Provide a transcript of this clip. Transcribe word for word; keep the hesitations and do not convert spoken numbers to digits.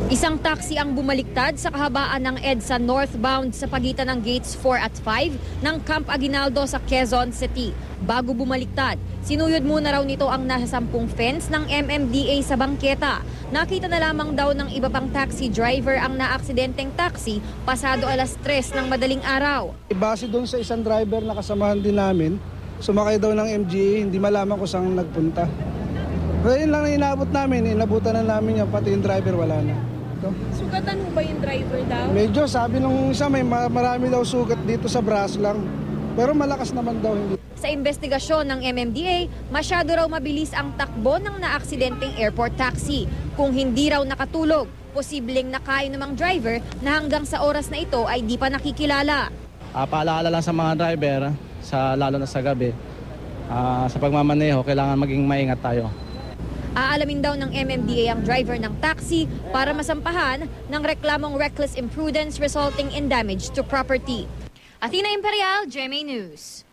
Isang taxi ang bumaliktad sa kahabaan ng EDSA northbound sa pagitan ng gates four at five ng Camp Aguinaldo sa Quezon City. Bago bumaliktad, sinuyod muna raw nito ang nasa sampung fence ng M M D A sa bangketa. Nakita na lamang daw ng iba pang taxi driver ang naaksidenteng taxi pasado alas tres ng madaling araw. Base doon sa isang driver na kasamahan din namin, sumakay daw ng M G A, hindi malaman kung saan nagpunta. Kaya yun lang na inabot namin, inabutan na namin yan, pati yung driver wala na. Ito. Sugatan mo ba yung driver daw? Medyo, sabi nung isa may marami daw sugat dito sa braso lang, pero malakas naman daw hindi. Sa investigasyon ng M M D A, masyado raw mabilis ang takbo ng naaksidenteng airport taxi. Kung hindi raw nakatulog, posibleng nakain namang driver na hanggang sa oras na ito ay di pa nakikilala. Uh, paalala lang sa mga driver, sa, lalo na sa gabi, uh, sa pagmamaneho, kailangan maging maingat tayo. Aalamin daw ng M M D A ang driver ng taxi para masampahan ng reklamong reckless imprudence resulting in damage to property. Athena Imperial, G M A News.